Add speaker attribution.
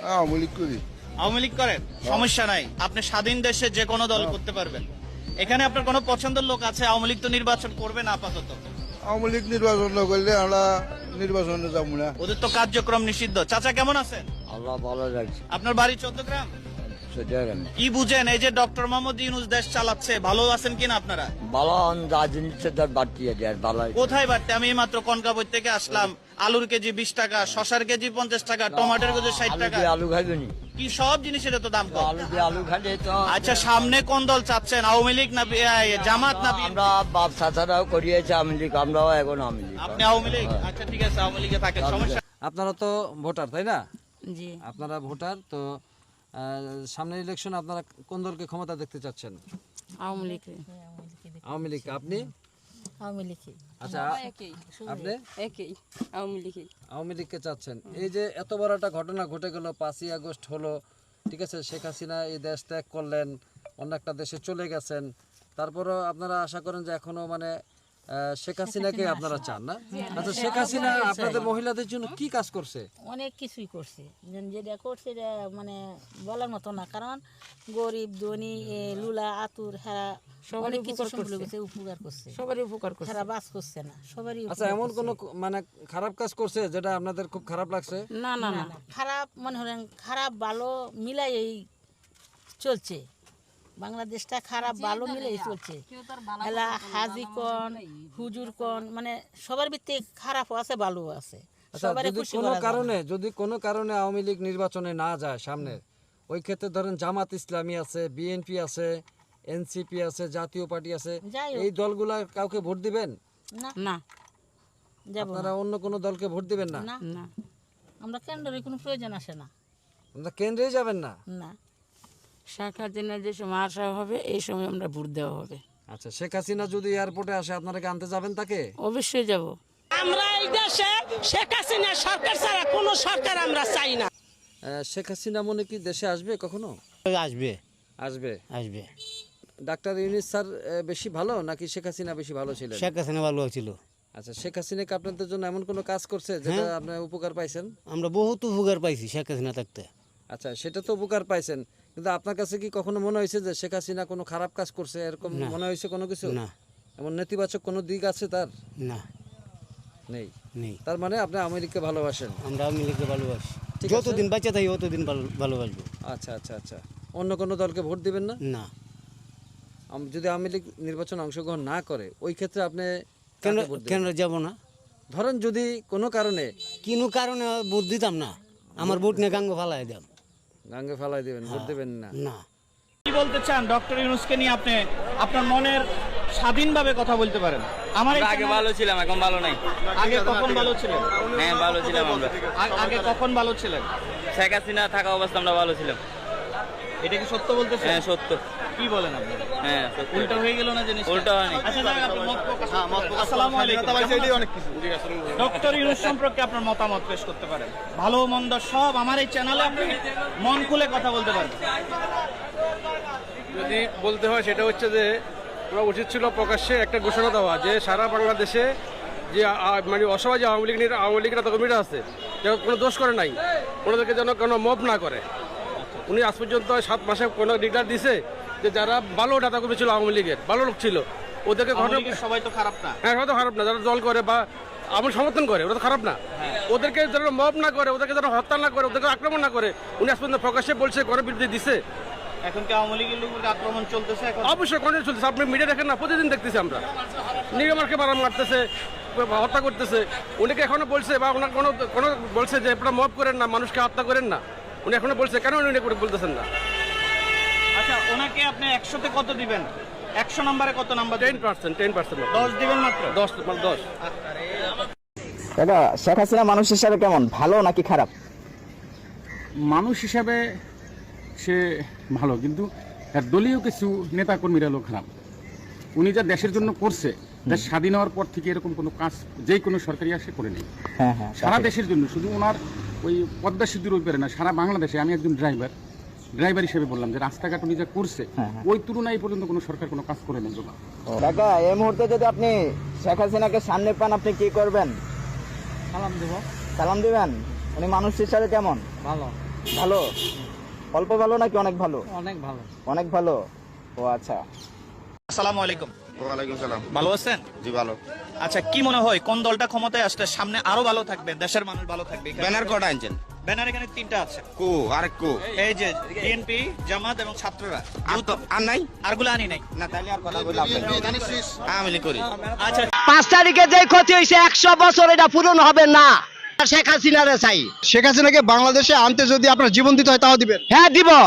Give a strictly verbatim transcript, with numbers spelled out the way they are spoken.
Speaker 1: আওয়ামী লীগ করি।
Speaker 2: আওয়ামী লীগ করেন, সমস্যা নাই, আপনি স্বাধীন দেশে যে কোনো দল করতে পারবেন। এখানে আপনার কোনো পছন্দের লোক আছে? আওয়ামী লীগ তো নির্বাচন করবে না আপাতত।
Speaker 1: আওয়ামী লীগ নির্বাচন না করলে আমরা নির্বাচনে যাবো না।
Speaker 2: ওদের তো কার্যক্রম নিষিদ্ধ। চাচা কেমন আছেন?
Speaker 3: আল্লাহ ভালো লাগছে।
Speaker 2: আপনার বাড়ি চৌদ্দগ্রাম? কি বুঝেন এই যে ডক্টর মোহাম্মদ ইউনূস দেশ চালাচ্ছে, ভালো আছেন কিনা আপনারা?
Speaker 3: ভালো রাজনীতি বাড়তি ভালো।
Speaker 2: কোথায় বাড়তে? আমি মাত্র কনকাবর থেকে আসলাম, আলুর কেজি বিশ টাকা, শশার কেজি পঞ্চাশ টাকা, টমেটোর কেজি ষাট টাকা।
Speaker 3: আলু খাইবেনি
Speaker 2: কি সব জিনিসের তো দাম কম।
Speaker 3: আলু দিয়ে আলু খাইলে তো।
Speaker 2: আচ্ছা, সামনে কোন দল চাচ্ছেন? আওয়ামী লীগ না জামাত না?
Speaker 3: আমরা বাপ চাচারাও করিয়েছে আওয়ামী লীগ, আমরাও এখন আওয়ামী লীগ।
Speaker 2: আপনি আওয়ামী লীগ? আচ্ছা ঠিক আছে, আওয়ামী লীগে থাকেন, সমস্যা।
Speaker 4: আপনারা তো ভোটার তাই না?
Speaker 5: জি।
Speaker 4: আপনারা ভোটার তো, সামনের ইলেকশন আপনারা কোন দলকে ক্ষমতা দেখতে চাচ্ছেন?
Speaker 5: আওয়ামী লীগ।
Speaker 4: আওয়ামী লীগ। আপনি?
Speaker 5: আওয়ামী লীগ।
Speaker 4: আচ্ছা, আপনি
Speaker 5: একই আওয়ামী লীগ।
Speaker 4: আওয়ামী লীগকে চাচ্ছেন। এই যে এত বড় একটা ঘটনা ঘটে গেল, পাঁচই আগস্ট হলো, ঠিক আছে, শেখ হাসিনা এই দেশ ত্যাগ করলেন, অন্য একটা দেশে চলে গেছেন, তারপরও আপনারা আশা করেন যে এখনো মানে শেখ হাসিনাকে আপনারা চান না? আচ্ছা, শেখ হাসিনা আপনাদের মহিলাদের জন্য কি কাজ করছে?
Speaker 5: অনেক কিছুই করছে, যেটা করছে এটা মানে বলার মতো না, কারণ গরিব ধনী লুলা আতুর হ্যাঁ অনেক কিছু উপকার করছে, সবারই উপকার করছে, হ্যাঁ বাস করছে না সবারই।
Speaker 4: আচ্ছা, এমন কোন মানে খারাপ কাজ করছে যেটা আপনাদের খুব খারাপ লাগছে?
Speaker 5: না না না, খারাপ মনে হলেন খারাপ ভালো মিলাই এই চলছে, বাংলাদেশটা খারাপ ভালো মিলেই চলছে। এলা হাজি কন হুজুর কন মানে সবার ভিত্তিক খারাপও আছে ভালোও আছে।
Speaker 4: আচ্ছা, যদি কোনো কারণে যদি কোনো কারণে আওয়ামী লীগ নির্বাচনে না যায় সামনে, ওই ক্ষেত্রে ধরেন জামাত ইসলামী আছে, বিএনপি আছে, এনসিপি আছে, জাতীয় পার্টি আছে, এই দলগুলা কাউকে ভোট দিবেন
Speaker 5: না? না,
Speaker 4: আপনারা অন্য কোনো দলকে ভোট দিবেন না?
Speaker 5: না, আমরা কেন্দ্রের কোনো প্রয়োজন আসে না,
Speaker 4: আমরা কেন্দ্রেই যাবেন না?
Speaker 5: না, শেখ হাসিনা যে সময় আসা হবে এই সময় আমরা ভোট দেওয়া হবে।
Speaker 4: আচ্ছা, শেখ হাসিনা যদি এয়ারপোর্টে আসে আপনারা কি আনতে যাবেন তাকে?
Speaker 5: অবশ্যই যাব।
Speaker 6: আমরা এই দেশে শেখ হাসিনা সরকার ছাড়া কোনো সরকার আমরা চাই না।
Speaker 4: শেখ হাসিনা মনে কি দেশে আসবে কখনো?
Speaker 7: আসবে
Speaker 4: আসবে
Speaker 7: আসবে
Speaker 4: ডাক্তার ইউনূস স্যার বেশি ভালো নাকি শেখ হাসিনা বেশি ভালো ছিলেন?
Speaker 7: শেখ হাসিনা ভালো ছিল।
Speaker 4: আচ্ছা, শেখ হাসিনা কি আপনাদের জন্য এমন কোনো কাজ করছে যেটা আপনার উপকার পাইছেন?
Speaker 7: আমরা বহুত উপকার পাইছি শেখ হাসিনা থাকতে।
Speaker 4: আচ্ছা, সেটা তো উপকার পাইছেন, কিন্তু আপনার কাছে কি কখনো মনে হয়েছে যে শেখ হাসিনা কোনো খারাপ কাজ করছে, এরকম মনে হয়েছে কোনো কিছু?
Speaker 7: না।
Speaker 4: এমন নেতিবাচক কোনো দিক আছে তার?
Speaker 7: না,
Speaker 4: নেই।
Speaker 7: নেই।
Speaker 4: তার মানে আপনি আওয়ামী লীগকে ভালোবাসেন?
Speaker 7: আমরা আওয়ামী লীগকে ভালোবাসি, যতদিন বাচ্চা থাকি ততদিন ভালোবাসবো।
Speaker 4: আচ্ছা আচ্ছা আচ্ছা, অন্য কোনো দলকে ভোট দিবেন না?
Speaker 7: না।
Speaker 4: যদি আওয়ামী লীগ নির্বাচনে অংশগ্রহণ না করে ওই ক্ষেত্রে আপনি
Speaker 7: কেন কেন যাব না?
Speaker 4: ধরেন যদি কোনো কারণে
Speaker 7: কোনো কারণে ভোট দিতাম না, আমার ভোট নিয়ে গাঙ্গ ফালাই দাম,
Speaker 4: গাঙ্গে ফালাই দিবেন, ভোট দিবেন না?
Speaker 2: না। কি বলতে চান ডক্টর ইউনূসকে নিয়ে? আপনি আপনার মনের স্বাধীনভাবে কথা বলতে পারেন। আমার
Speaker 8: আগে ভালো ছিলাম, এখন ভালো নাই।
Speaker 2: আগে কখন ভালো ছিলেন?
Speaker 8: হ্যাঁ ভালো ছিলাম আমরা।
Speaker 2: আগে কখন ভালো ছিলেন?
Speaker 8: শেখ হাসিনা থাকা অবস্থা আমরা ভালো ছিলাম।
Speaker 2: এটা কি সত্য বলতেছেন?
Speaker 8: হ্যাঁ সত্য।
Speaker 2: কি বলেন আপনি?
Speaker 8: হ্যাঁ
Speaker 2: উল্টা হয়ে গেল না জিনিসটা?
Speaker 8: উল্টা হয়নি।
Speaker 2: আচ্ছা, আপনি মত প্রকাশ করুন। আসসালামু আলাইকুম। ডক্টর ইউনূস সম্পর্কে আপনার মতামত পেশ করতে পারেন। ভালো মন্দ সব আমার এই চ্যানেলে আপনি মন খুলে কথা বলতে পারেন।
Speaker 9: যদি বলতে হয় সেটা হচ্ছে যে ওরা উচিত ছিল প্রকাশ্যে একটা ঘোষণা দেওয়া যে সারা বাংলাদেশে যে মানে অসহায় যে আওয়ামী লীগ আওয়ামী লীগের এত কর্মীরা আছে কেউ কোনো দোষ করে নাই, ওনাদেরকে যেন কোনো মব না করে। উনি আজ পর্যন্ত সাত মাসে কোনো ডিক্লার দিছে যে যারা ভালো ডাটা কর্মী ছিল আওয়ামী লীগের ভালো লোক ছিল ওদেরকে
Speaker 2: সবাই তো খারাপ না।
Speaker 9: হ্যাঁ হয়তো খারাপ না, যারা দল করে বা আমার সমর্থন করে ওরা তো খারাপ না। ওদেরকে যেন মব না করে, ওদেরকে যেন হত্যা না করে, ওদেরকে আক্রমণ না করে উনি আজ পর্যন্ত প্রকাশ্যে বলছে, করে বিরুদ্ধে দিছে।
Speaker 2: এখন কি আওয়ামী লীগের লোকের আক্রমণ চলতেছে? এখন
Speaker 9: অবশ্যই কন্টিনিউ চলতেছে, আপনি মিডিয়া দেখেন না, প্রতিদিন দেখতেছি আমরা। নিগমারকে মারা মারতেছে, হত্যা করতেছে। উনিকে এখনো বলছে বা ওনার কোনো কোনো বলছে যে আপনারা মব করেন না, মানুষকে হত্যা করেন না, উনি এখনো বলছে, কেন উনি করে বলতেছেন না?
Speaker 2: আচ্ছা, ওনাকে আপনি একশোতে কত দিবেন? একশো নম্বরে কত number?
Speaker 9: Ten percent ten percent
Speaker 2: দশ দিবেন মাত্র?
Speaker 9: দশ দশ।
Speaker 10: দাদা, শেখ হাসিনা মানুষ হিসাবে কেমন, ভালো নাকি খারাপ?
Speaker 11: মানুষ হিসাবে সে ভালো, কিন্তু তার দলীয় কিছু নেতা কর্মীরা হলো খারাপ। উনি যা দেশের জন্য করছে, দেশ স্বাধীন হওয়ার পর থেকে এরকম কোনো কাজ যে কোনো সরকারি আসে করে নেই।
Speaker 10: হ্যাঁ হ্যাঁ,
Speaker 11: সারা দেশের জন্য, শুধু ওনার ওই পদ্মা সেতুর ওই পারে না, সারা বাংলাদেশে। আমি একজন ড্রাইভার ড্রাইভার হিসেবে বললাম যে রাস্তাঘাট উনি যা করছে ওই তুলনায় পর্যন্ত কোনো সরকার কোনো কাজ করে নেই।
Speaker 10: কাকা, এই মুহূর্তে যদি আপনি শেখ হাসিনাকে সামনে পান আপনি কি করবেন?
Speaker 4: সালাম দেব।
Speaker 10: সালাম দিবেন? উনি মানুষ হিসাবে কেমন?
Speaker 4: ভালো।
Speaker 10: ভালো অল্প ভালো নাকি অনেক ভালো?
Speaker 7: অনেক ভালো।
Speaker 10: অনেক ভালো। ও আচ্ছা।
Speaker 2: আসসালামু আলাইকুম।
Speaker 1: ওয়ালাইকুম সালাম।
Speaker 2: ভালো আছেন?
Speaker 1: জি ভালো।
Speaker 2: আচ্ছা, কি মনে হয় কোন দলটা ক্ষমতায় আসলে সামনে আরো ভালো থাকবে, দেশের মানুষ ভালো থাকবে?
Speaker 1: ব্যানার কটা আনছেন?
Speaker 2: ব্যানার এখানে তিনটা আছে।
Speaker 1: কো আর কো
Speaker 2: এই যে বিএনপি, জামাত এবং ছাত্ররা।
Speaker 1: আর তো আর নাই
Speaker 2: আরগুলো আনি নাই।
Speaker 1: না, তাহলে আর কথা বললাম আমি করি।
Speaker 2: আচ্ছা,
Speaker 7: পাঁচ তারিখে যে ক্ষতি হয়েছে একশো বছর এটা পূরণ হবে না। শেখ হাসিনারে চাই।
Speaker 10: শেখ হাসিনাকে বাংলাদেশে আনতে যদি আপনার জীবন দিতে হয় তাও দিবেন?
Speaker 7: হ্যাঁ দিব।